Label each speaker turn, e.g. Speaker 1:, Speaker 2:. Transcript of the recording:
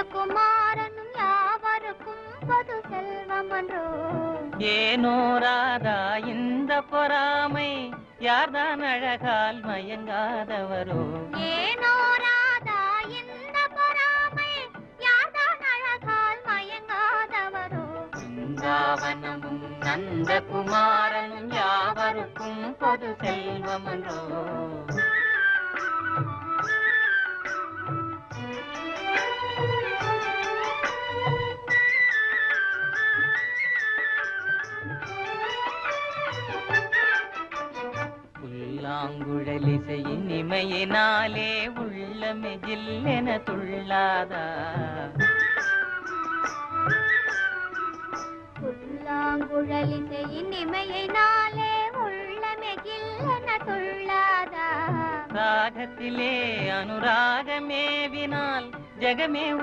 Speaker 1: குமாரனும் யாவருக்கும் பொது செல்வமன்றோ.
Speaker 2: ஏனோ ராதா இந்த பொறாமை, யார்தான் அழகால் மயங்காதவரோ.
Speaker 1: ஏனோ ராதா இந்த பொறாமை, யார்தான் அழகால் மயங்காதவரோ.
Speaker 2: பிருந்தாவனமும் நந்த குமாரனும் யாவருக்கும் பொது செல்வமன்றோ. புல்லாங்குழலிசையின் இமையினாலே உள்ளமே ஜில்லென துள்ளாதா.
Speaker 1: புல்லாங்குழலிசையின் இமையினாலே உள்ளமே ஜில்லென துள்ளாதா.
Speaker 2: ராகத்திலே அனுராகமேவினால் ஜெகமே